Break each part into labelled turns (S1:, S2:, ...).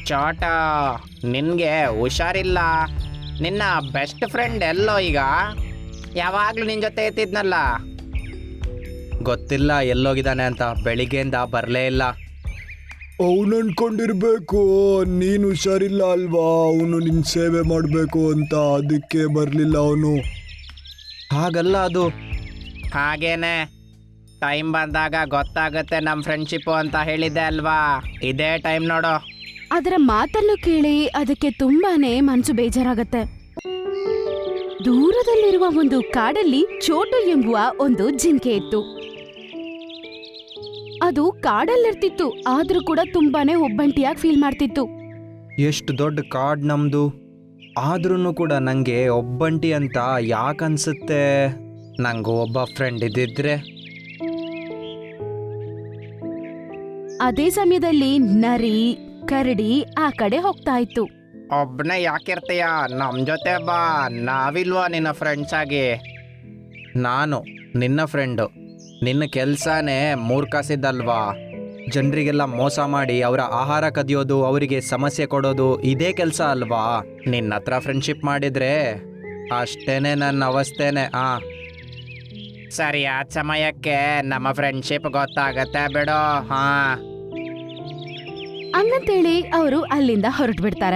S1: ಚೋಟ, ನಿನ್ಗೆ ಹುಷಾರಿಲ್ಲ. ನಿನ್ನ ಬೆಸ್ಟ್ ಫ್ರೆಂಡ್ ಎಲ್ಲೋ ಈಗ? ಯಾವಾಗ್ಲೂ ನಿನ್ ಜೊತೆ ಇರ್ತಿದ್ನಲ್ಲ.
S2: ಗೊತ್ತಿಲ್ಲ ಎಲ್ಲೋಗಿದ್ದಾನೆ ಅಂತ, ಬೆಳಿಗ್ಗೆಯಿಂದ ಬರಲೇ ಇಲ್ಲ.
S3: ಅವನು ಅನ್ಕೊಂಡಿರ್ಬೇಕು ನೀನು ಹುಷಾರಿಲ್ಲ ಅಲ್ವಾ, ಅವನು ನಿನ್ನ ಸೇವೆ ಮಾಡಬೇಕು ಅಂತ, ಅದಕ್ಕೆ ಬರಲಿಲ್ಲ ಅವನು.
S2: ಹಾಗಲ್ಲ ಅದು.
S1: ಹಾಗೇನೆ, ಟೈಮ್ ಬಂದಾಗ ಗೊತ್ತಾಗುತ್ತೆ ನಮ್ಮ ಫ್ರೆಂಡ್ಶಿಪ್ಪು ಅಂತ ಹೇಳಿದ್ದೆ ಅಲ್ವಾ. ಇದೇ ಟೈಮ್ ನೋಡು.
S4: ಅದರ ಮಾತನ್ನು ಕೇಳಿ ಅದಕ್ಕೆ ತುಂಬಾನೇ ಮನಸ್ಸು ಬೇಜಾರಾಗತ್ತೆ. ದೂರದಲ್ಲಿರುವ ಒಂದು ಕಾಡಲ್ಲಿ ಚೋಟು ಎಂಬುವ ಒಂದು ಜಿಂಕೆ ಇತ್ತು. ಅದು ಕಾಡಲ್ಲಿರ್ತಿತ್ತು, ಆದ್ರೂ ಕೂಡ ತುಂಬಾನೇ ಒಬ್ಬಂಟಿಯಾಗಿ ಫೀಲ್ ಮಾಡ್ತಿತ್ತು.
S2: ಎಷ್ಟು ದೊಡ್ಡ ಕಾಡ್ ನಮ್ದು, ಆದ್ರೂ ಕೂಡ ನಂಗೆ ಒಬ್ಬಂಟಿ ಅಂತ ಯಾಕನ್ಸುತ್ತೆ. ನಂಗೂ ಒಬ್ಬ ಫ್ರೆಂಡ್ ಇದ್ದಿದ್ರೆ.
S4: ಅದೇ ಸಮಯದಲ್ಲಿ ನರಿ ಕರಡಿ ಆ ಕಡೆ ಹೋಗ್ತಾ ಇತ್ತು.
S1: ಒಬ್ಬನೇ ಯಾಕಿರ್ತೀಯ, ನಮ್ಮ ಜೊತೆ ಬಾ, ನಾವಿಲ್ವಾ ನಿನ್ನ ಫ್ರೆಂಡ್ಸ್ ಆಗಿ?
S2: ನಾನು ನಿನ್ನ ಫ್ರೆಂಡು. ನಿನ್ನ ಕೆಲಸನೇ ಮೂರ್ಖಾಸಿದ್ದಲ್ವಾ? ಜನರಿಗೆಲ್ಲ ಮೋಸ ಮಾಡಿ ಅವರ ಆಹಾರ ಕದಿಯೋದು, ಅವರಿಗೆ ಸಮಸ್ಯೆ ಕೊಡೋದು, ಇದೇ ಕೆಲಸ ಅಲ್ವಾ? ನಿನ್ನ ಹತ್ರ ಫ್ರೆಂಡ್ಶಿಪ್ ಮಾಡಿದ್ರೆ ಅಷ್ಟೇನೆ ನನ್ನ ಅವಸ್ಥೆನೆ.
S1: ಸರಿಯಾದ ಸಮಯಕ್ಕೆ ನಮ್ಮ ಫ್ರೆಂಡ್ಶಿಪ್ ಗೊತ್ತಾಗತ್ತೆ ಬಿಡು. ಹಾ,
S4: ಹಂಗಂತೇಳಿ ಅವರು ಅಲ್ಲಿಂದ ಹೊರಟು ಬಿಡ್ತಾರೆ.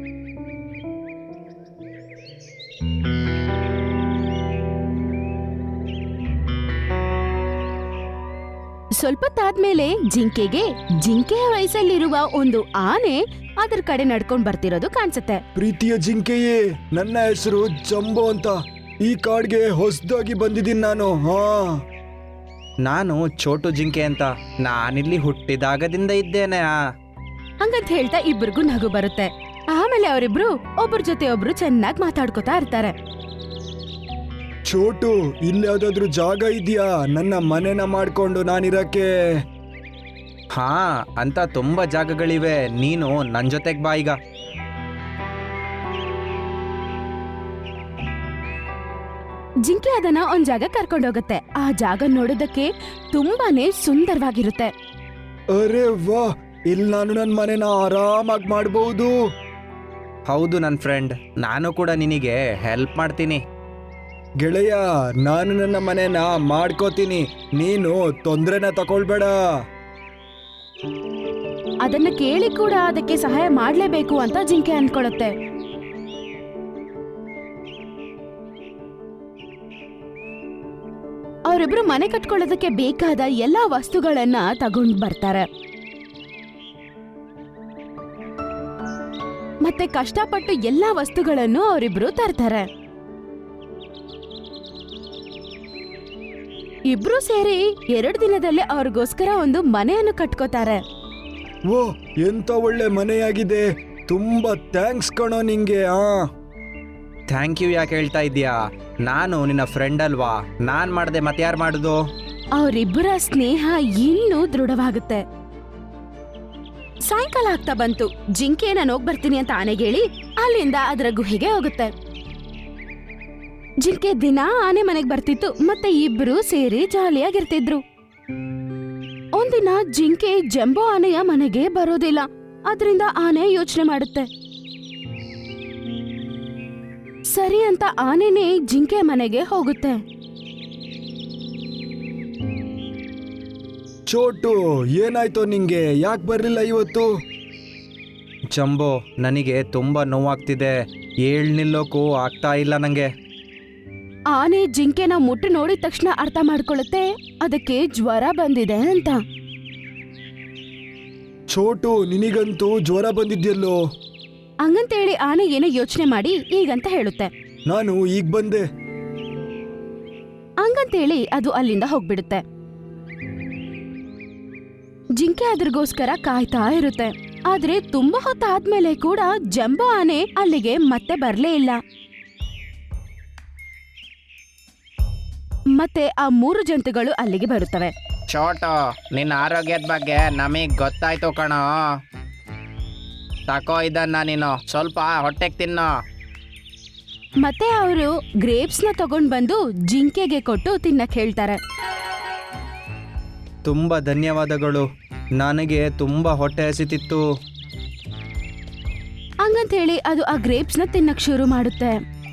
S4: ಸ್ವಲ್ಪ ತಾದ್ಮೇಲೆ ಜಿಂಕೆಯ ವಯಸ್ಸಲ್ಲಿರುವ ಒಂದು ಆನೆ ಅದರ ಕಡೆ ನಡ್ಕೊಂಡ್ ಬರ್ತಿರೋದು ಕಾಣಿಸುತ್ತೆ.
S3: ಪ್ರೀತಿಯ ಜಿಂಕೆಯೇ, ನನ್ನ ಹೆಸರು ಜಂಬೋ ಅಂತ. ಈ ಕಾಡ್ಗೆ ಹೊಸದಾಗಿ ಬಂದಿದ್ದೀನಿ ನಾನು.
S2: ನಾನು ಚೋಟು ಜಿಂಕೆ ಅಂತ. ನಾನಿಲ್ಲಿ ಹುಟ್ಟಿದಾಗದಿಂದ ಇದ್ದೇನೆ.
S4: ಹಂಗಂತ ಹೇಳ್ತಾ ಇಬ್ಬರಿಗೂ ನಗು ಬರುತ್ತೆ. ಆಮೇಲೆ ಅವರಿಬ್ರು ಒಬ್ರ ಜೊತೆ ಒಬ್ರು ಚೆನ್ನಾಗಿ ಮಾತಾಡ್ಕೋತಾ ಇರ್ತಾರೆ.
S3: ಚೋಟು, ಇಲ್ಲಿ ಯಾವ್ದಾದ್ರು ಜಾಗ ಇದೆಯಾ ನನ್ನ ಮನೆನ ಮಾಡ್ಕೊಂಡು ನಾನಿರಕ್ಕೆ?
S2: ಹಾ, ಅಂತ ತುಂಬಾ ಜಾಗಗಳಿವೆ. ನೀನು ನನ್ನ ಜೊತೆಗೆ ಬಾ ಈಗ.
S4: ಜಿಂಕೆ ಅದನ್ನ ಒಂದ್ ಜಾಗ ಕರ್ಕೊಂಡೋಗುತ್ತೆ. ಆ ಜಾಗ ನೋಡೋದಕ್ಕೆ ತುಂಬಾನೇ ಸುಂದರವಾಗಿರುತ್ತೆ.
S3: ಅರೆ ವಾ, ಇಲ್ಲಿ ನಾನು ನನ್ನ ಮನೆನ ಆರಾಮಾಗಿ ಮಾಡಬಹುದು.
S2: ಹೌದು ನನ್ನ ಫ್ರೆಂಡ್, ನಾನು ಕೂಡ ನಿನಗೆ ಹೆಲ್ಪ್ ಮಾಡ್ತೀನಿ.
S3: ಗೆಳೆಯ, ನಾನು ನನ್ನ ಮನೆನ ಮಾಡ್ಕೋತೀನಿ, ನೀನು ತೊಂದ್ರೆನ ತಗೊಳ್ಬೇಡ.
S4: ಅದನ್ನ ಕೇಳಿ ಕೂಡ ಅದಕ್ಕೆ ಸಹಾಯ ಮಾಡ್ಲೇಬೇಕು ಅಂತ ಜಿಂಕೆ ಅನ್ಕೊಳುತ್ತೆ. ಅವರಿಬ್ರು ಮನೆ ಕಟ್ಕೊಳ್ಳೋದಕ್ಕೆ ಬೇಕಾದ ಎಲ್ಲಾ ವಸ್ತುಗಳನ್ನ ತಗೊಂಡ್ ಬರ್ತಾರೆ. ಮತ್ತೆ ಕಷ್ಟಪಟ್ಟು ಎಲ್ಲಾ ವಸ್ತುಗಳನ್ನು ಅವರಿಬ್ರು ತರ್ತಾರೆ. ಇಬ್ರು ಸೇರಿ 2 ದಿನದಲ್ಲೇ ಅವ್ರಿಗೋಸ್ಕರ ಒಂದು ಮನೆಯನ್ನು ಕಟ್ಕೋತಾರೆ.
S3: ಓ, ಎಂತ ಒಳ್ಳೆ ಮನೆಯಾಗಿದೆ. ತುಂಬಾ ಥ್ಯಾಂಕ್ಸ್ ಕಣೋ ನಿಂಗೆ.
S2: ಥ್ಯಾಂಕ್ ಯು ಯಾಕೆ ಹೇಳ್ತಾ ಇದೀಯಾ? ನಾನು ನಿನ್ನ ಫ್ರೆಂಡ್ ಅಲ್ವಾ? ನಾನ್ ಮಾಡ್ದೆ ಮತ್ತೆ ಯಾರು ಮಾಡುದು?
S4: ಅವರಿಬ್ಬರ ಸ್ನೇಹ ಇನ್ನೂ ದೃಢವಾಗುತ್ತೆ. ಸಾಯಂಕಾಲ ಆಗ್ತಾ ಬಂತು. ಜಿಂಕೆ ನಾನು ಹೋಗ್ ಬರ್ತೀನಿ ಅಂತ ಆನೆಗೆ ಹೇಳಿ ಅಲ್ಲಿಂದ ಅದರ ಗುಹೆಗೆ ಹೋಗುತ್ತೆ. ಜಿಂಕೆ ದಿನ ಆನೆ ಮನೆಗ್ ಬರ್ತಿತ್ತು, ಮತ್ತೆ ಇಬ್ರು ಸೇರಿ ಜಾಲಿಯಾಗಿರ್ತಿದ್ರು. ಒಂದಿನ ಜಿಂಕೆ ಜಂಬೋ ಆನೆಯ ಮನೆಗೆ ಬರೋದಿಲ್ಲ. ಅದರಿಂದ ಆನೆ ಯೋಚನೆ ಮಾಡುತ್ತೆ. ಸರಿ ಅಂತ ಆನೆನೇ ಜಿಂಕೆ ಮನೆಗೆ ಹೋಗುತ್ತೆ.
S3: ಚೋಟು, ಏನಾಯ್ತು ನಿಂಗೆ? ಯಾಕೆ ಬರ್ಲಿಲ್ಲ ಇವತ್ತು?
S2: ಜಂಬೋ, ನನಗೆ ತುಂಬಾ ನೋವಾಗ್ತಿದೆ. ನಿಲ್ಲೋಕು ಆಗ್ತಾ ಇಲ್ಲ ನಂಗೆ.
S4: ಆನೆ ಜಿಂಕೆನ ಮುಟ್ಟಿ ನೋಡಿದ ತಕ್ಷಣ ಅರ್ಥ ಮಾಡ್ಕೊಳ್ಳುತ್ತೆ ಅದಕ್ಕೆ ಜ್ವರ ಬಂದಿದೆ ಅಂತ.
S3: ಚೋಟು, ನಿನಗಂತೂ ಜ್ವರ ಬಂದಿದ್ಯಲ್ಲೋ?
S4: ಹಂಗಂತೇಳಿ ಆನೆ ಏನೋ ಯೋಚನೆ ಮಾಡಿ ಈಗಂತ ಹೇಳುತ್ತೆ.
S3: ನಾನು ಈಗ ಬಂದೆ.
S4: ಹಂಗಂತೇಳಿ ಅದು ಅಲ್ಲಿಂದ ಹೋಗ್ಬಿಡುತ್ತೆ. ಜಿಂಕೆ ಅದ್ರಗೋಸ್ಕರ ಕಾಯ್ತಾ ಇರುತ್ತೆ. ಆದ್ರೆ ತುಂಬಾ ಹೊತ್ತಾದ್ಮೇಲೆ ಕೂಡ ಜಂಬೋ ಆನೆ ಅಲ್ಲಿಗೆ ಮತ್ತೆ ಬರ್ಲೇ ಇಲ್ಲ. ಮತ್ತೆ ಆ 3 ಜಂತುಗಳು ಅಲ್ಲಿಗೆ ಬರುತ್ತವೆ.
S1: ಚೋಟು, ನಿನ್ನ ಆರೋಗ್ಯದ ಬಗ್ಗೆ ನಮಗ್ ಗೊತ್ತಾಯ್ತು ಕಣೋ. ತಕೋ ಇದನ್ನ, ನೀನು ಸ್ವಲ್ಪ ಹೊಟ್ಟೆಗೆ ತಿನ್ನೋ.
S4: ಮತ್ತೆ ಅವರು ಗ್ರೇಪ್ಸ್ನ ತಗೊಂಡ್ ಬಂದು ಜಿಂಕೆಗೆ ಕೊಟ್ಟು ತಿನ್ನಕ್ ಹೇಳ್ತಾರೆ.
S2: ತುಂಬ ಧನ್ಯವಾದಗಳು. ನನಗೆ ತುಂಬ ಹೊಟ್ಟೆ ಹಸಿತಿತ್ತು.
S4: ಹಂಗಂತ ಹೇಳಿ ಅದು ಆ ಗ್ರೇಪ್ಸ್ನ ತಿನ್ನಕ್ ಶುರು ಮಾಡುತ್ತೆ.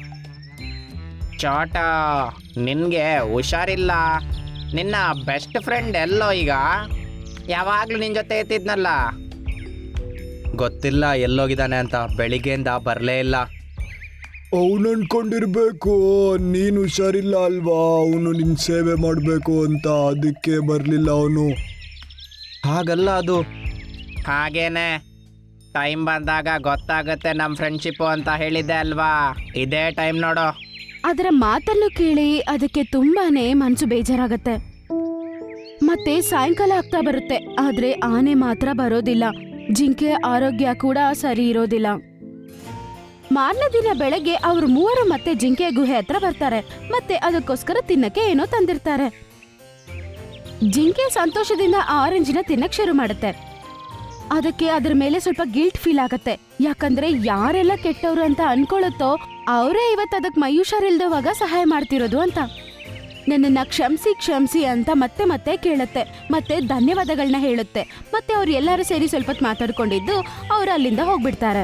S1: ಚೋಟ, ನಿನ್ಗೆ ಹುಷಾರಿಲ್ಲ. ನಿನ್ನ ಬೆಸ್ಟ್ ಫ್ರೆಂಡ್ ಎಲ್ಲೋ ಈಗ? ಯಾವಾಗ್ಲೂ ನಿನ್ ಜೊತೆ ಇರ್ತಿದ್ನಲ್ಲ.
S2: ಗೊತ್ತಿಲ್ಲ ಎಲ್ಲೋಗಿದ್ದಾನೆ ಅಂತ, ಬೆಳಿಗ್ಗೆಯಿಂದ ಬರಲೇ ಇಲ್ಲ.
S3: ಅವನು ಅನ್ಕೊಂಡಿರ್ಬೇಕು ನೀನು ಹುಷಾರಿಲ್ಲ ಅಲ್ವಾ, ಅವನು ನಿನ್ನ ಸೇವೆ ಮಾಡಬೇಕು ಅಂತ, ಅದಕ್ಕೆ ಬರಲಿಲ್ಲ ಅವನು.
S2: ಹಾಗಲ್ಲ ಅದು.
S1: ಹಾಗೇನೆ, ಟೈಮ್ ಬಂದಾಗ ಗೊತ್ತಾಗುತ್ತೆ ನಮ್ಮ ಫ್ರೆಂಡ್ಶಿಪ್ಪು ಅಂತ ಹೇಳಿದ್ದೆ ಅಲ್ವಾ. ಇದೇ ಟೈಮ್ ನೋಡು.
S4: ಅದರ ಮಾತನ್ನು ಕೇಳಿ ಅದಕ್ಕೆ ತುಂಬಾನೇ ಮನ್ಸು ಬೇಜಾರಾಗತ್ತೆ. ಮತ್ತೆ ಸಾಯಂಕಾಲ ಆಗ್ತಾ ಬರುತ್ತೆ, ಆದ್ರೆ ಆನೆ ಮಾತ್ರ ಬರೋದಿಲ್ಲ. ಜಿಂಕೆ ಆರೋಗ್ಯ ಕೂಡ ಸರಿ ಇರೋದಿಲ್ಲ. ಮಾರನೇ ದಿನ ಬೆಳಗ್ಗೆ ಅವ್ರು ಮೂವರು ಮತ್ತೆ ಜಿಂಕೆ ಗುಹೆ ಹತ್ರ ಬರ್ತಾರೆ. ಮತ್ತೆ ಅದಕ್ಕೋಸ್ಕರ ತಿನ್ನಕ್ಕೆ ಏನೋ ತಂದಿರ್ತಾರೆ. ಜಿಂಕೆ ಸಂತೋಷದಿಂದ ಆರೆಂಜಿನ ತಿನ್ನಕ್ ಶುರು ಮಾಡುತ್ತೆ. ಅದಕ್ಕೆ ಅದ್ರ ಮೇಲೆ ಸ್ವಲ್ಪ ಗಿಲ್ಟ್ ಫೀಲ್ ಆಗತ್ತೆ. ಯಾಕಂದ್ರೆ ಯಾರೆಲ್ಲ ಕೆಟ್ಟವ್ರು ಅಂತ ಅನ್ಕೊಳ್ಳುತ್ತೋ ಅವರೇ ಇವತ್ತು ಅದಕ್ಕೆ ಮೈ ಹುಷಾರಿಲ್ದವಾಗ ಸಹಾಯ ಮಾಡ್ತಿರೋದು ಅಂತ. ನನ್ನನ್ನ ಕ್ಷಮಿಸಿ ಕ್ಷಮಿಸಿ ಅಂತ ಮತ್ತೆ ಮತ್ತೆ ಕೇಳುತ್ತೆ. ಮತ್ತೆ ಧನ್ಯವಾದಗಳನ್ನ ಹೇಳುತ್ತೆ. ಮತ್ತೆ ಅವ್ರು ಎಲ್ಲರೂ ಸೇರಿ ಸ್ವಲ್ಪ ಹೊತ್ತು ಮಾತಾಡ್ಕೊಂಡಿದ್ದು ಅವ್ರು ಅಲ್ಲಿಂದ ಹೋಗ್ಬಿಡ್ತಾರೆ.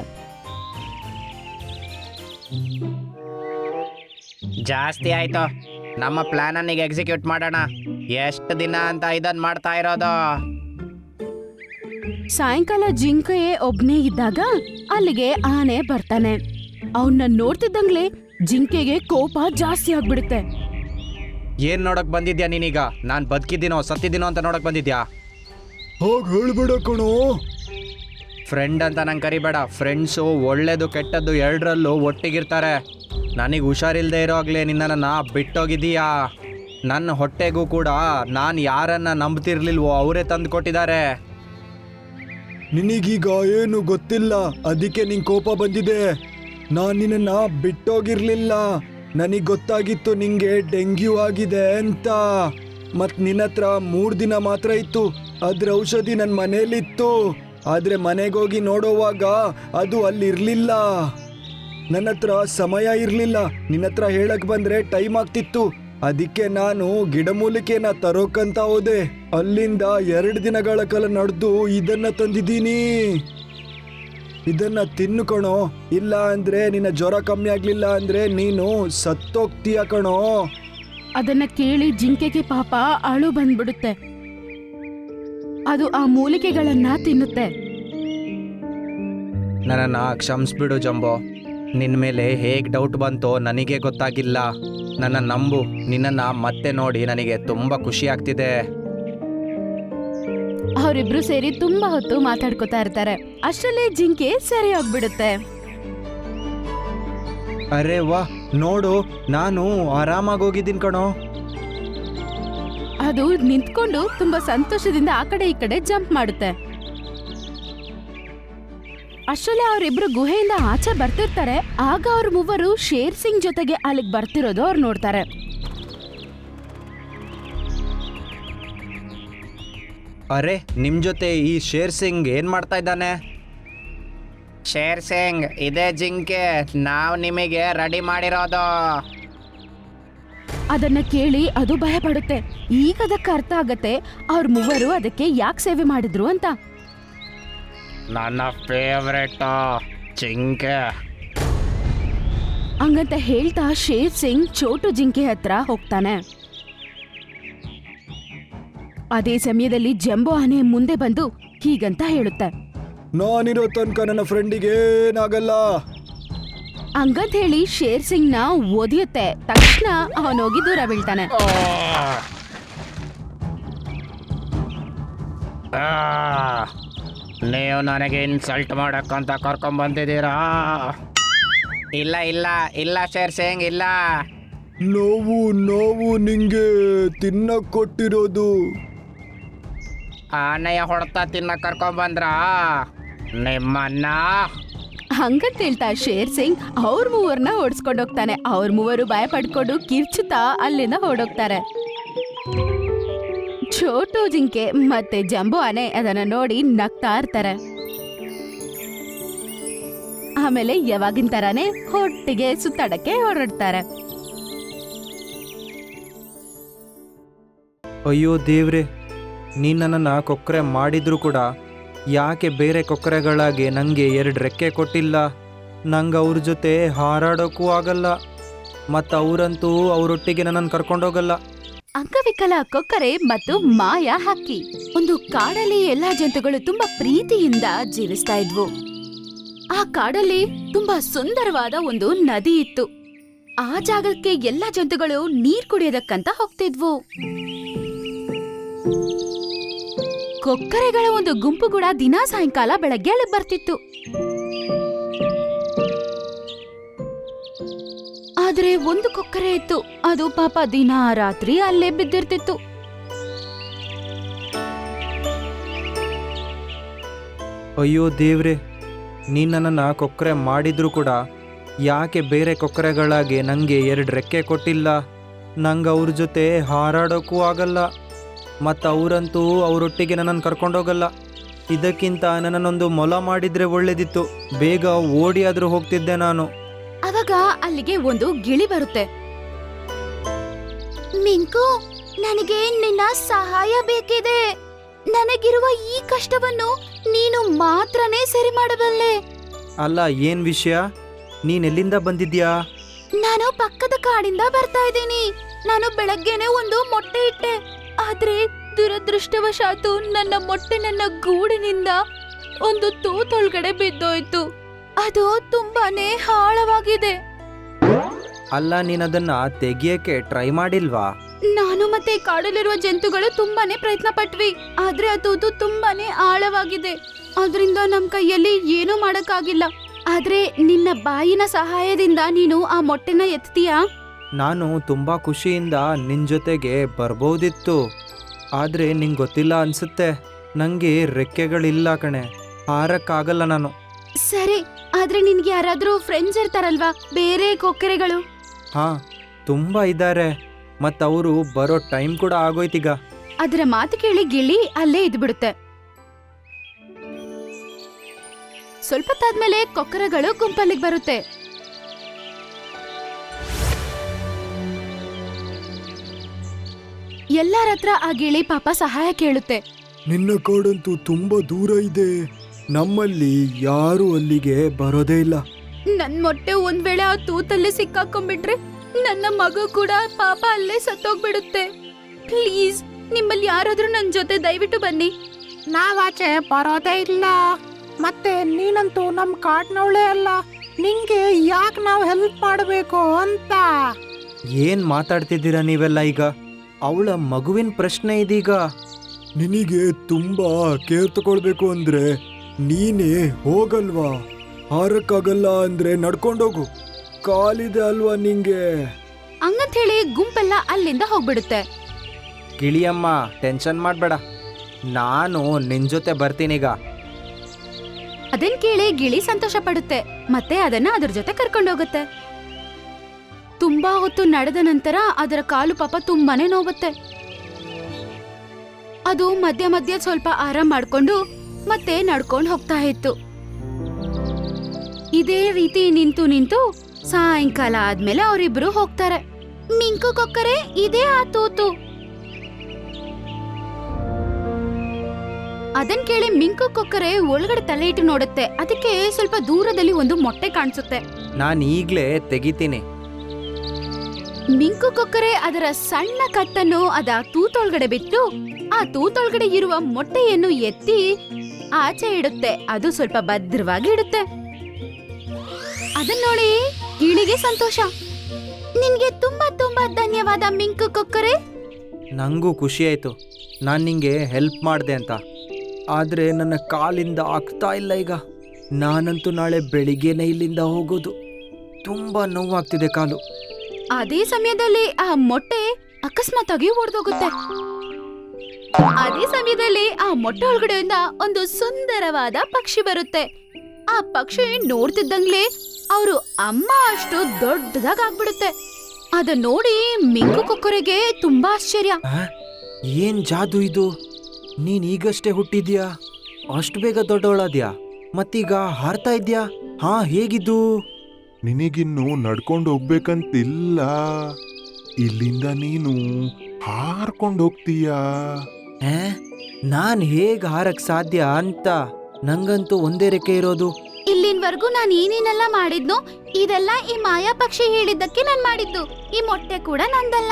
S1: ಜಾಸ್ತಿ ಆಯ್ತು, ನಮ್ಮ ಪ್ಲಾನ್ ಅನ್ನೀಗ ಎಕ್ಸಿಕ್ಯೂಟ್ ಮಾಡೋಣ. ಎಷ್ಟು ದಿನ ಅಂತ ಇದನ್ನ ಮಾಡ್ತಾ ಇರೋದು?
S4: ಸಾಯಂಕಾಲ ಜಿಂಕೆಯೇ ಒಬ್ನೇ ಇದ್ದಾಗ ಅಲ್ಲಿಗೆ ಆನೆ ಬರ್ತಾನೆ. ಅವನ್ನ ನೋಡ್ತಿದ್ದಂಗ್ಲೆ ಜಿಂಕೆಗೆ ಕೋಪ ಜಾಸ್ತಿ ಆಗ್ಬಿಡುತ್ತೆ.
S2: ಏನ್ ನೋಡಕ್ ಬಂದಿದ್ಯಾ ನೀನೀಗ? ನಾನ್ ಬದುಕಿದ್ದೀನೋ ಸತ್ತಿದ್ದೀನೋ ಅಂತ ನೋಡಕ್ ಬಂದಿದ್ಯಾ?
S3: ಹಾಗೆ ಹೇಳ್ಬೇಡ ಕಣೋ.
S2: ಫ್ರೆಂಡ್ ಅಂತ ನಂಗೆ ಕರಿಬೇಡ. ಫ್ರೆಂಡ್ಸು ಒಳ್ಳೇದು ಕೆಟ್ಟದ್ದು ಎರಡರಲ್ಲೂ ಒಟ್ಟಿಗಿರ್ತಾರೆ. ನನಗೆ ಹುಷಾರಿಲ್ಲದೆ ಇರೋಗ್ಲೇ ನಿನ್ನನ್ನು ಬಿಟ್ಟೋಗಿದ್ದೀಯಾ. ನನ್ನ ಹೊಟ್ಟೆಗೂ ಕೂಡ ನಾನು ಯಾರನ್ನ ನಂಬ್ತಿರ್ಲಿಲ್ವೋ ಅವರೇ ತಂದು ಕೊಟ್ಟಿದ್ದಾರೆ.
S3: ನಿನಗೀಗ ಏನು ಗೊತ್ತಿಲ್ಲ, ಅದಕ್ಕೆ ನಿಂಗೆ ಕೋಪ ಬಂದಿದೆ. ನಾನು ನಿನ್ನ ಬಿಟ್ಟೋಗಿರ್ಲಿಲ್ಲ. ನನಗೆ ಗೊತ್ತಾಗಿತ್ತು ನಿಂಗೆ ಡೆಂಗ್ಯೂ ಆಗಿದೆ ಅಂತ. ಮತ್ತು ನಿನ್ನ ಹತ್ರ 3 ದಿನ ಮಾತ್ರ ಇತ್ತು. ಅದ್ರ ಔಷಧಿ ನನ್ನ ಮನೇಲಿತ್ತು. ಆದರೆ ಮನೆಗೋಗಿ ನೋಡೋವಾಗ ಅದು ಅಲ್ಲಿರಲಿಲ್ಲ. ನನ್ನ ಹತ್ರ ಸಮಯ ಇರಲಿಲ್ಲ. ನಿನ್ನ ಹತ್ರ ಹೇಳಕ್ಕೆ ಬಂದರೆ ಟೈಮ್ ಆಗ್ತಿತ್ತು. ಅದಕ್ಕೆ ನಾನು ಗಿಡಮೂಲಿಕೆನ ತರೋಕಂತ ಹೋದೆ. ಅಲ್ಲಿಂದ 2 ದಿನಗಳ ಕಾಲ ನಡೆದು ಇದನ್ನ ತಂದಿದ್ದೀನಿ. ಇದನ್ನ ತಿನ್ನು ಕಣೋ, ಇಲ್ಲ ಅಂದ್ರೆ ನಿನ್ನ ಜ್ವರ ಕಮ್ಮಿ ಆಗ್ಲಿಲ್ಲ ಅಂದ್ರೆ ನೀನು ಸತ್ತೋಗ್ತೀಯ ಕಣೋ.
S4: ಅದನ್ನ ಕೇಳಿ ಜಿಂಕೆಗೆ ಪಾಪ ಅಳು ಬಂದ್ಬಿಡುತ್ತೆ. ಅದು ಆ ಮೂಲಿಕೆಗಳನ್ನ ತಿನ್ನುತ್ತೆ.
S2: ನನ್ನನ್ನು ಕ್ಷಮಿಸ್ಬಿಡು ಜಂಬೋ. ನಿನ್ನ ಮೇಲೆ ಹೇಗೆ ಡೌಟ್ ಬಂತೋ ನನಗೆ ಗೊತ್ತಾಗಿಲ್ಲ. ನನ್ನ ನಂಬು. ನಿನ್ನನ್ನು ಮತ್ತೆ ನೋಡಿ ನನಗೆ ತುಂಬ ಖುಷಿ ಆಗ್ತಿದೆ.
S4: ಅವರಿಬ್ರು ಸೇರಿ ತುಂಬಾ ಹೊತ್ತು ಮಾತಾಡ್ಕೊತಾ ಇರ್ತಾರೆ. ಅಷ್ಟರಲ್ಲೇ ಜಿಂಕೆ ಸರಿ ಹೋಗ್ಬಿಡುತ್ತೆ.
S2: ಅರೆ ವಾ, ನೋಡು ನಾನು ಆರಾಮಾಗಿ ಹೋಗಿದ್ದೀನಿ ಕಣೋ.
S4: ಅದು ನಿಂತ್ಕೊಂಡು ತುಂಬಾ ಸಂತೋಷದಿಂದ ಆ ಕಡೆ ಈ ಕಡೆ ಜಂಪ್ ಮಾಡುತ್ತೆ. ಅಷ್ಟರಲ್ಲೇ ಅವರಿಬ್ರು ಗುಹೆಯಿಂದ ಆಚೆ ಬರ್ತಿರ್ತಾರೆ. ಆಗ ಅವ್ರ ಮೂವರು ಶೇರ್ ಸಿಂಗ್ ಜೊತೆಗೆ ಅಲ್ಲಿಗೆ ಬರ್ತಿರೋದು ಅವ್ರು ನೋಡ್ತಾರೆ.
S2: ಅರೆ, ನಿಮ್ಮ ಜೊತೆ ಈ ಶೇರ್ ಸಿಂಗ್ ಏನು ಮಾಡ್ತಾ ಇದ್ದಾನೆ?
S1: ಶೇರ್ ಸಿಂಗ್, ಇದೇ ಜಿಂಕೆ ನಾವು ನಿಮಗೆ ರೆಡಿ ಮಾಡಿರೋದು.
S4: ಅದನ್ನ ಕೇಳಿ ಅದು ಭಯ ಪಡುತ್ತೆ. ಈಗ ಅದಕ್ಕೆ ಅರ್ಥ ಆಗತ್ತೆ ಅವ್ರ ಮೂವರು ಅದಕ್ಕೆ ಯಾಕೆ ಸೇವೆ ಮಾಡಿದ್ರು ಅಂತ.
S1: ನನ್ನ ಫೇವ್ರೆಟ್ ಜಿಂಕೆ.
S4: ಹಂಗಂತ ಹೇಳ್ತಾ ಶೇರ್ ಸಿಂಗ್ ಚೋಟು ಜಿಂಕೆ ಹತ್ರ ಹೋಗ್ತಾನೆ. ಅದೇ ಸಮಯದಲ್ಲಿ ಜಂಬೋ ಆನೆ ಮುಂದೆ ಬಂದು ಹೀಗಂತ ಹೇಳುತ್ತೆ,
S3: ನಾನಿರೋ ತನಕ ನನ್ನ ಫ್ರೆಂಡಿಗೆ ಏನಾಗಲ್ಲ.
S4: ಹಂಗಂತ ಹೇಳಿ ಶೇರ್ ಸಿಂಗ್ ನ ಒದಿಯುತ್ತೆ. ತಕ್ಷಣ ಅವನೋಗಿ ದೂರ ಬೀಳ್ತಾನೆ.
S1: ನೀವು ನನಗೆ ಇನ್ಸಲ್ಟ್ ಮಾಡಕ್ಕಂತ ಕರ್ಕೊಂಡ್ ಬಂದಿದ್ದೀರಾ? ಇಲ್ಲ ಇಲ್ಲ ಇಲ್ಲ ಶೇರ್ ಸಿಂಗ್, ಇಲ್ಲ.
S3: ನೋವು ನಿಂಗೆ ತಿನ್ನಕ್ ಕೊಟ್ಟಿರೋದು.
S1: ಆನೆಯ ಹೊಡೆತ ತಿನ್ನ ಕರ್ಕೊಂಡ್ ಬಂದ್ರಾ ನಿಮ್ಮನ್ನ?
S4: ಹಂಗಂತ ಹೇಳ್ತಾ ಶೇರ್ ಸಿಂಗ್ ಅವ್ರ ಮೂವರ್ನ ಓಡಿಸ್ಕೊಂಡು ಹೋಗ್ತಾನೆ. ಅವ್ರ ಮೂವರು ಭಯ ಪಡ್ಕೊಂಡು ಕಿರ್ಚುತ್ತಾ ಅಲ್ಲಿಂದ ಹೊರಡೋಗ್ತಾರೆ. ಚೋಟು ಜಿಂಕೆ ಮತ್ತೆ ಜಂಬೋ ಆನೆ ಅದನ್ನ ನೋಡಿ ನಗ್ತಾ ಇರ್ತಾರೆ. ಆಮೇಲೆ ಯಾವಾಗಿನ ತರಾನೇ ಒಟ್ಟಿಗೆ ಸುತ್ತಾಡಕ್ಕೆ ಹೊರಡ್ತಾರೆ.
S2: ಅಯ್ಯೋ ದೇವ್ರೆ, ನೀನು ನನ್ನನ್ನು ಕೊಕ್ಕರೆ ಮಾಡಿದ್ರು ಕೂಡ ಯಾಕೆ ಬೇರೆ ಕೊಕ್ಕರೆಗಳಾಗಿ ನನಗೆ 2 ರೆಕ್ಕೆ ಕೊಟ್ಟಿಲ್ಲ? ನಂಗೆ ಅವ್ರ ಜೊತೆ ಹಾರಾಡೋಕ್ಕೂ ಆಗಲ್ಲ, ಮತ್ತು ಅವರಂತೂ ಅವರೊಟ್ಟಿಗೆ ನನ್ನನ್ನು ಕರ್ಕೊಂಡೋಗಲ್ಲ.
S4: ಅಂಗವಿಕಲ ಕೊಕ್ಕರೆ ಮತ್ತು ಮಾಯಾ ಹಕ್ಕಿ. ಒಂದು ಕಾಡಲ್ಲಿ ಎಲ್ಲಾ ಜಂತುಗಳು ತುಂಬಾ ಪ್ರೀತಿಯಿಂದ ಜೀವಿಸ್ತಾ ಇದ್ವು. ಆ ಕಾಡಲ್ಲಿ ತುಂಬಾ ಸುಂದರವಾದ ಒಂದು ನದಿ ಇತ್ತು. ಆ ಜಾಗಕ್ಕೆ ಎಲ್ಲಾ ಜಂತುಗಳು ನೀರ್ ಕುಡಿಯೋದಕ್ಕಂತ ಹೋಗ್ತಿದ್ವು. ಕೊಕ್ಕರೆಗಳ ಒಂದು ಗುಂಪು ಕೂಡ ದಿನಾ ಸಾಯಂಕಾಲ ಬೆಳಗ್ಗೆ ಅಲ್ಲಿ ಬರ್ತಿತ್ತು. ಆದ್ರೆ ಒಂದು ಕೊಕ್ಕರೆ ಇತ್ತು, ಅದು ಪಾಪ ದಿನಾ ರಾತ್ರಿ ಅಲ್ಲೇ ಬಿದ್ದಿರ್ತಿತ್ತು.
S2: ಅಯ್ಯೋ ದೇವ್ರೆ, ನೀನು ನನ್ನನ್ನು ಕೊಕ್ಕರೆ ಮಾಡಿದ್ರು ಕೂಡ ಯಾಕೆ ಬೇರೆ ಕೊಕ್ಕರೆಗಳಾಗಿ ನನಗೆ 2 ರೆಕ್ಕೆ ಕೊಟ್ಟಿಲ್ಲ? ನಂಗೆ ಅವ್ರ ಜೊತೆ ಹಾರಾಡೋಕ್ಕೂ ಆಗಲ್ಲ, ಮತ್ತು ಅವರಂತೂ ಅವರೊಟ್ಟಿಗೆ ನನ್ನನ್ನು ಕರ್ಕೊಂಡೋಗಲ್ಲ. ಇದಕ್ಕಿಂತ ನನ್ನನ್ನೊಂದು ಮೊಲ ಮಾಡಿದರೆ ಒಳ್ಳೇದಿತ್ತು, ಬೇಗ ಓಡಿ ಆದರೂ ಹೋಗ್ತಿದ್ದೆ ನಾನು.
S4: ಅವಾಗ ಅಲ್ಲಿಗೆ ಒಂದು ಗಿಳಿ ಬರುತ್ತೆ. ಮಿಂಕು, ನನಗೆ ನಿನ್ನ ಸಹಾಯ ಬೇಕಿದೆ. ನನಗಿರುವ ಈ ಕಷ್ಟವನ್ನು ನೀನು ಮಾತ್ರನೇ ಸರಿ ಮಾಡಬಲ್ಲೆ.
S2: ಅಲ್ಲ, ಏನು ವಿಷಯ? ನೀನೆಲ್ಲಿಂದ ಬಂದಿದ್ಯಾ?
S4: ನಾನು ಪಕ್ಕದ ಕಾಡಿಂದ ಬರ್ತಾ ಇದ್ದೀನಿ. ನಾನು ಬೆಳಗ್ಗೆನೆ ಒಂದು ಮೊಟ್ಟೆ ಇಟ್ಟೆ, ಆದ್ರೆ ದುರದೃಷ್ಟವಶಾತು ನನ್ನ ಮೊಟ್ಟೆ ನನ್ನ ಗೂಡಿನಿಂದ ಒಂದು ತೂತೊಳಗಡೆ ಬಿದ್ದೋಯ್ತು. ಅದು ತುಂಬಾನೇ ಆಳವಾಗಿದೆ.
S2: ಅಲ್ಲ, ನೀನದನ್ನ ತೆಗಿಯಕ್ಕೆ ಟ್ರೈ ಮಾಡಿಲ್ವಾ?
S4: ನಾನು ಮತ್ತೆ ಕಾಡಲ್ಲಿರುವ ಜಂತುಗಳು ತುಂಬಾನೇ ಪ್ರಯತ್ನ ಪಟ್ವಿ, ಆದ್ರೆ ಅದು ತುಂಬಾನೇ ಆಳವಾಗಿದೆ. ಅದರಿಂದ ನಮ್ ಕೈಯಲ್ಲಿ ಏನೂ ಮಾಡಕ್ಕಾಗಿಲ್ಲ. ಆದ್ರೆ ನಿನ್ನ ಬಾಯಿನ ಸಹಾಯದಿಂದ ನೀನು ಆ ಮೊಟ್ಟೆನ ಎತ್ತೀಯಾ?
S2: ನಾನು ತುಂಬ ಖುಷಿಯಿಂದ ನಿನ್ನ ಜೊತೆಗೆ ಬರ್ಬೋದಿತ್ತು, ಆದರೆ ನಿಂಗೆ ಗೊತ್ತಿಲ್ಲ ಅನ್ಸುತ್ತೆ, ನನಗೆ ರೆಕ್ಕೆಗಳಿಲ್ಲ ಕಣೆ, ಹಾರಕ್ಕಾಗಲ್ಲ ನಾನು.
S4: ಸರಿ, ಆದ್ರೆ ನಿನ್ಗೆ ಯಾರಾದ್ರೂ ಫ್ರೆಂಡ್ಸ್ ಇರ್ತಾರಲ್ವಾ, ಬೇರೆ ಕೊಕ್ಕರೆಗಳು?
S2: ಹಾಂ, ತುಂಬ ಇದ್ದಾರೆ, ಮತ್ತು ಅವರು ಬರೋ ಟೈಮ್ ಕೂಡ ಆಗೋಯ್ತೀಗ.
S4: ಅದರ ಮಾತು ಕೇಳಿ ಗಿಳಿ ಅಲ್ಲೇ ಇದ್ಬಿಡುತ್ತೆ. ಸ್ವಲ್ಪ ತಾದ್ಮೇಲೆ ಕೊಕ್ಕರೆಗಳು ಗುಂಪಲ್ಲಿಗೆ ಬರುತ್ತೆ. ಎಲ್ಲರ ಹತ್ರ ಆ ಗಿಳಿ ಪಾಪ ಸಹಾಯ ಕೇಳುತ್ತೆ.
S3: ನಿನ್ನ ಕಾಡಂತೂ ತುಂಬಾ ದೂರ ಇದೆ, ನಮ್ಮಲ್ಲಿ ಯಾರು ಅಲ್ಲಿಗೆ ಬರೋದೇ ಇಲ್ಲ.
S4: ನನ್ ಮೊಟ್ಟೆ ಒಂದ್ ವೇಳೆ ಆ ತೂತಲ್ಲಿ ಸಿಕ್ಕಾಕೊಂಡ್ಬಿಟ್ರೆ ನನ್ನ ಮಗು ಕೂಡ ಪಾಪ ಅಲ್ಲೇ ಸತ್ತೋಗ್ಬಿಡುತ್ತೆ. ಪ್ಲೀಸ್, ನಿಮ್ಮಲ್ಲಿ ಯಾರಾದ್ರೂ ನನ್ ಜೊತೆ ದಯವಿಟ್ಟು ಬನ್ನಿ.
S5: ನಾವಾಚೆ ಬರೋದೇ ಇಲ್ಲ, ಮತ್ತೆ ನೀನಂತೂ ನಮ್ ಕಾಡ್ನವಳೇ ಅಲ್ಲ, ನಿಂಗೆ ಯಾಕೆ ನಾವು ಹೆಲ್ಪ್ ಮಾಡಬೇಕು ಅಂತ.
S2: ಏನು ಮಾತಾಡ್ತಿದ್ದೀರಾ ನೀವೆಲ್ಲ ಈಗ? ಅವಳ ಮಗುವಿನ ಪ್ರಶ್ನೆ ಇದೀಗ.
S3: ನಿನಗೆ ತುಂಬಾ ಕೇರ್ ತಗೊಳ್ಬೇಕು ಅಂದ್ರೆ ನೀನೇ ಹೋಗಲ್ವಾ? ಹಾರಕ್ಕಾಗಲ್ಲ ಅಂದ್ರೆ ನಡ್ಕೊಂಡೋಗು, ಕಾಲಿದೆ ಅಲ್ವಾ ನಿಂಗೆ?
S4: ಹಂಗಂತ ಹೇಳಿ ಗುಂಪೆಲ್ಲ ಅಲ್ಲಿಂದ ಹೋಗ್ಬಿಡುತ್ತೆ.
S2: ಗಿಳಿಯಮ್ಮ, ಟೆನ್ಷನ್ ಮಾಡಬೇಡ, ನಾನು ನಿನ್ನ ಜೊತೆ ಬರ್ತೀನೀಗ.
S4: ಅದನ್ ಕೇಳಿ ಗಿಳಿ ಸಂತೋಷ ಪಡುತ್ತೆ, ಮತ್ತೆ ಅದನ್ನ ಅದ್ರ ಜೊತೆ ಕರ್ಕೊಂಡೋಗುತ್ತೆ. ತುಂಬಾ ಹೊತ್ತು ನಡೆದ ನಂತರ ಅದರ ಕಾಲು ಪಾಪ ತುಂಬಾನೇ ನೋವುತ್ತೆ. ಅದು ಮಧ್ಯ ಮಧ್ಯ ಸ್ವಲ್ಪ ಆರಾಮ್ ಮಾಡ್ಕೊಂಡು ಮತ್ತೆ ನಡ್ಕೊಂಡು ಹೋಗ್ತಾ ಇತ್ತು. ಇದೇ ರೀತಿ ನಿಂತು ನಿಂತು ಸಾಯಂಕಾಲ ಆದ್ಮೇಲೆ ಅವರಿಬ್ರು ಹೋಗ್ತಾರೆ. ಮಿಂಕು ಕೊಕ್ಕರೆ, ಇದೇ ಆ ತೂತು. ಅದನ್ ಕೇಳಿ ಮಿಂಕು ಕೊಕ್ಕರೆ ಒಳಗಡೆ ತಲೆ ಇಟ್ಟು ನೋಡುತ್ತೆ. ಅದಕ್ಕೆ ಸ್ವಲ್ಪ ದೂರದಲ್ಲಿ ಒಂದು ಮೊಟ್ಟೆ ಕಾಣಿಸುತ್ತೆ.
S2: ನಾನು ಈಗಲೇ ತೆಗಿತೀನಿ.
S4: ಮಿಂಕು ಕೊಕ್ಕರೆ ಅದರ ಸಣ್ಣ ಕತ್ತನ್ನು ಅದ ತೂತೊಳಗಡೆ ಬಿಟ್ಟು ಆ ತೂತೊಳಗಡೆ ಇರುವ ಮೊಟ್ಟೆಯನ್ನು ಎತ್ತಿ ಆಚೆ ಇಡುತ್ತೆ. ಅದು ಸ್ವಲ್ಪ ಭದ್ರವಾಗಿ ಇಡುತ್ತೆ. ಅದನ್ನ ನೋಡಿ ಗಿಳಿಗೆ ಸಂತೋಷ. ನಿನ್ಗೆ ತುಂಬಾ ತುಂಬಾ ಧನ್ಯವಾದ ಮಿಂಕು ಕೊಕ್ಕರೆ.
S2: ನನಗೂ ಖುಷಿ ಆಯಿತು, ನಾನು ನಿಂಗೆ ಹೆಲ್ಪ್ ಮಾಡಿದೆ ಅಂತ. ಆದರೆ ನನ್ನ ಕಾಲಿಂದ ಆಗ್ತಾ ಇಲ್ಲ ಈಗ. ನಾನಂತೂ ನಾಳೆ ಬೆಳಿಗ್ಗೆನೇ ಇಲ್ಲಿಂದ ಹೋಗೋದು. ತುಂಬ ನೋವಾಗ್ತಿದೆ ಕಾಲು.
S4: ಅದೇ ಸಮಯದಲ್ಲಿ ಆ ಮೊಟ್ಟೆ ಅಕಸ್ಮಾತ್ ಆಗಿ ಒಡೆದೋಗುತ್ತೆ. ಅದೇ ಸಮಯದಲ್ಲಿ ಆ ಮೊಟ್ಟೆ ಒಳಗಡೆಯಿಂದ ಒಂದು ಸುಂದರವಾದ ಪಕ್ಷಿ ಬರುತ್ತೆ. ಆ ಪಕ್ಷಿ ನೋಡ್ತಿದ್ದಂಗ್ಲೆ ಅವರು ಅಮ್ಮ ಅಷ್ಟು ದೊಡ್ಡದಾಗ್ಬಿಡುತ್ತೆ. ಅದನ್ನ ನೋಡಿ ಮಿಂಕು ಕೊಕ್ಕರೆಗೆ ತುಂಬಾ ಆಶ್ಚರ್ಯ.
S2: ಏನು ಜಾದು ಇದು? ನೀನು ಈಗಷ್ಟೇ ಹುಟ್ಟಿದ್ಯಾ, ಅಷ್ಟು ಬೇಗ ದೊಡ್ಡವಳಾದ್ಯಾ, ಮತ್ತೀಗ ಹಾರ್ತಾ ಇದ್ಯಾ? ಹಾ, ಹೇಗಿದ್ದು?
S6: ನಿನಗಿನ್ನು ನಡ್ಕೊಂಡು ಹೋಗ್ಬೇಕಂತಿಲ್ಲ, ಇಲ್ಲಿಂದ ನೀನು ಹಾರ್ಕೊಂಡು ಹೋಗ್ತೀಯಾ.
S2: ನಾನು ಹೇಗೆ ಹಾರಕ್ ಸಾಧ್ಯ ಅಂತ ನಂಗಂತೂ ಒಂದೇ ರೆಕ್ಕೆ ಇರೋದು.
S4: ಇಲ್ಲಿನವರೆಗೂ ನಾನು ಏನೇನೆಲ್ಲ ಮಾಡಿದ್ನೋ ಇದೆಲ್ಲ ಈ ಮಾಯಾ ಪಕ್ಷಿ ಹೇಳಿದ್ದಕ್ಕೆ ನಾನ್ ಮಾಡಿದ್ದು. ಈ ಮೊಟ್ಟೆ ಕೂಡ ನಂದಲ್ಲ.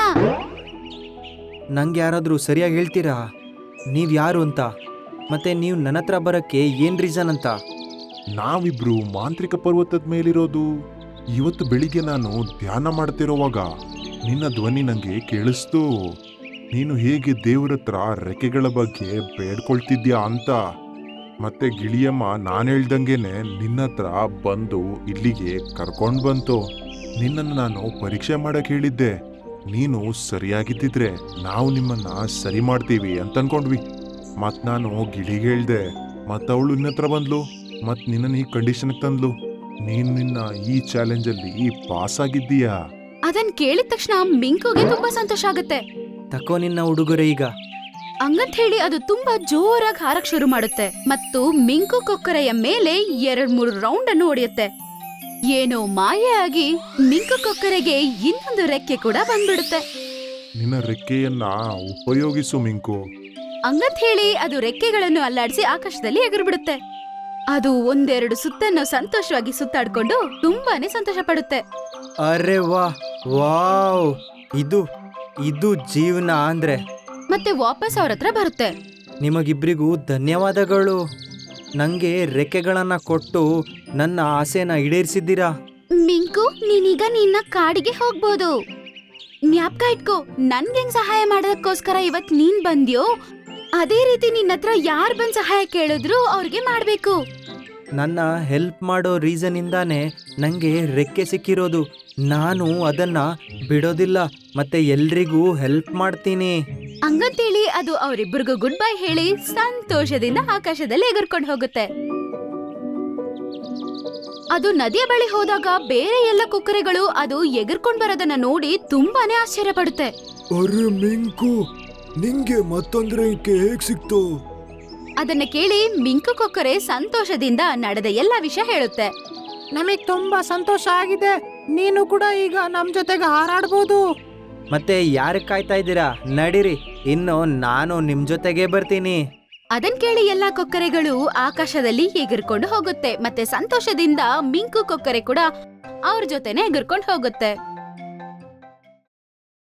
S2: ನಂಗೆ ಯಾರಾದರೂ ಸರಿಯಾಗಿ ಹೇಳ್ತೀರಾ ನೀವು ಯಾರು ಅಂತ, ಮತ್ತೆ ನೀವು ನನ್ನ ಹತ್ರ ಬರೋಕ್ಕೆ ಏನು ರೀಸನ್ ಅಂತ?
S6: ನಾವಿಬ್ರು ಮಾಂತ್ರಿಕ ಪರ್ವತದ ಮೇಲಿರೋದು. ಇವತ್ತು ಬೆಳಿಗ್ಗೆ ನಾನು ಧ್ಯಾನ ಮಾಡ್ತಿರೋವಾಗ ನಿನ್ನ ಧ್ವನಿ ನಂಗೆ ಕೇಳಿಸ್ತು. ನೀನು ಹೇಗೆ ದೇವ್ರ ಹತ್ರ ರೆಕ್ಕೆಗಳ ಬಗ್ಗೆ ಬೇಡ್ಕೊಳ್ತಿದ್ಯಾ ಅಂತ. ಮತ್ತೆ ಗಿಳಿಯಮ್ಮ ನಾನು ಹೇಳ್ದಂಗೆನೆ ನಿನ್ನ ಹತ್ರ ಬಂದು ಇಲ್ಲಿಗೆ ಕರ್ಕೊಂಡು ಬಂತು. ನಿನ್ನನ್ನು ನಾನು ಪರೀಕ್ಷೆ ಮಾಡಕ್ ಹೇಳಿದ್ದೆ. ನೀನು ಸರಿಯಾಗಿದ್ದಿದ್ರೆ ನಾವು ನಿಮ್ಮನ್ನ ಸರಿ ಮಾಡ್ತೀವಿ ಅಂತ ಅನ್ಕೊಂಡ್ವಿ. ಮತ್ ನಾನು ಗಿಳಿಗೆ ಹೇಳ್ದೆ, ಮತ್ತವಳು ನಿನ್ನ ಹತ್ರ ಬಂದ್ಲು, ಮತ್ ನಿನ್ನ ಈ ಕಂಡೀಷನ್ಗೆ ತಂದ್ಲು. ನೀನು ನಿನ್ನ ಈ ಚಾಲೆಂಜಲ್ಲಿ ಪಾಸ್ ಆಗಿದ್ದೀಯಾ.
S4: ಅದನ್ ಕೇಳಿದ ತಕ್ಷಣ ಮಿಂಕುಗೆ ತುಂಬಾ ಸಂತೋಷ ಆಗುತ್ತೆ.
S2: ತಕೋ ನಿನ್ನ ಉಡುಗೊರೆ ಈಗ.
S4: ಹಂಗಂತ ಹೇಳಿ ಅದು ತುಂಬಾ ಜೋರಾಗಿ ಹಾರಕ್ ಶುರು ಮಾಡುತ್ತೆ ಮತ್ತು ಮಿಂಕು ಕೊಕ್ಕರೆಯ ಮೇಲೆ 2-3 ರೌಂಡ್ ಅನ್ನು ಹೊಡೆಯುತ್ತೆ. ಏನೋ ಮಾಯೆ ಆಗಿ ಮಿಂಕು ಕೊಕ್ಕರೆಗೆ ಇನ್ನೊಂದು ರೆಕ್ಕೆ ಕೂಡ ಬಂದ್ಬಿಡುತ್ತೆ.
S6: ನಿನ್ನ ರೆಕ್ಕೆಯನ್ನ ಉಪಯೋಗಿಸು ಮಿಂಕು.
S4: ಹಂಗಂತ ಹೇಳಿ ಅದು ರೆಕ್ಕೆಗಳನ್ನು ಅಲ್ಲಾಡಿಸಿ ಆಕಾಶದಲ್ಲಿ ಎಗರ್ಬಿಡುತ್ತೆ. ಅದು 1-2 ಸುತ್ತನ್ನು ಸಂತೋಷವಾಗಿ ಸುತ್ತಾಡ್ಕೊಂಡು ತುಂಬಾನೇ ಸಂತೋಷ ಪಡುತ್ತೆ.
S2: ಅರೆ ವಾವ್, ಇದು ಜೀವನ ಅಂದ್ರೆ.
S4: ಮತ್ತೆ ವಾಪಸ್ ಅವ್ರ ಹತ್ರ ಬರುತ್ತೆ.
S2: ನಿಮಗಿಬ್ರಿಗೂ ಧನ್ಯವಾದಗಳು. ನಂಗೆ ರೆಕ್ಕೆಗಳನ್ನ ಕೊಟ್ಟು ನನ್ನ ಆಸೆನ ಈಡೇರಿಸಿದ್ದೀರಾ.
S4: ಮಿಂಕು, ನೀನೀಗ ನಿನ್ನ ಕಾಡಿಗೆ ಹೋಗ್ಬೋದು. ಜ್ಞಾಪಕ ಇಟ್ಕೋ, ನನ್ಗೆ ಹೆಂಗ್ ಸಹಾಯ ಮಾಡೋದಕ್ಕೋಸ್ಕರ ಇವತ್ ನೀನ್ ಬಂದ್ಯೋ ಅದೇ ರೀತಿ ನಿನ್ನ ಹತ್ರ ಯಾರ್ ಬಂದ್ ಸಹಾಯ ಕೇಳಿದ್ರು ಅವ್ರಿಗೆ ಮಾಡ್ಬೇಕು.
S2: ನನ್ನ ಹೆಲ್ಪ್ ಮಾಡೋ ರೀಸನ್ ಇಂದಾನೆ ನಂಗೆ ರೆಕ್ಕೆ ಸಿಕ್ಕಿರೋದು. ನಾನು ಅದನ್ನ ಬಿಡೋದಿಲ್ಲ, ಮತ್ತೆ ಎಲ್ರಿಗೂ ಹೆಲ್ಪ್ ಮಾಡ್ತೀನಿ.
S4: ಹಂಗಂತೇಳಿ ಅದು ಅವರಿಬ್ಬರಿಗೂ ಗುಡ್ ಬೈ ಹೇಳಿ ಸಂತೋಷದಿಂದ ಆಕಾಶದಲ್ಲಿ ಎಗರ್ಕೊಂಡು ಹೋಗುತ್ತೆ. ಅದು ನದಿಯ ಬಳಿ ಹೋದಾಗ ಬೇರೆ ಎಲ್ಲ ಕೊಕ್ಕರೆಗಳು ಅದು ಎಗರ್ಕೊಂಡ್ ಬರೋದನ್ನ ನೋಡಿ ತುಂಬಾನೇ ಆಶ್ಚರ್ಯ ಪಡುತ್ತೆ.
S3: ಅರೆ ಮಿಂಕು, ನಿಂಗೆ ಮತ್ತೊಂದ್ ರೆಕ್ಕೆ ಹೇಗ್ ಸಿಕ್ತು?
S4: ಅದನ್ನ ಕೇಳಿ ಮಿಂಕು ಕೊಕ್ಕರೆ ಸಂತೋಷದಿಂದ ನಡೆದ ಎಲ್ಲ ವಿಷಯ ಹೇಳುತ್ತೆ.
S5: ನಮಗ್ ತುಂಬಾ ಸಂತೋಷ ಆಗಿದೆ. ನೀನು ಕೂಡ ಈಗ ನಮ್ ಜೊತೆಗೆ ಹಾರಾಡ್ಬೋದು.
S2: ಮತ್ತೆ ಯಾರಿಗೆ ಕಾಯ್ತಾ ಇದ್ದೀರಾ? ನಡೀರಿ, ಇನ್ನು ನಾನು ನಿಮ್ ಜೊತೆಗೆ ಬರ್ತೀನಿ.
S4: ಅದನ್ ಕೇಳಿ ಎಲ್ಲಾ ಕೊಕ್ಕರೆಗಳು ಆಕಾಶದಲ್ಲಿ ಎಗರ್ಕೊಂಡು ಹೋಗುತ್ತೆ. ಮತ್ತೆ ಸಂತೋಷದಿಂದ ಮಿಂಕು ಕೊಕ್ಕರೆ ಕೂಡ ಅವ್ರ ಜೊತೆನೆ ಎಗರ್ಕೊಂಡು ಹೋಗುತ್ತೆ.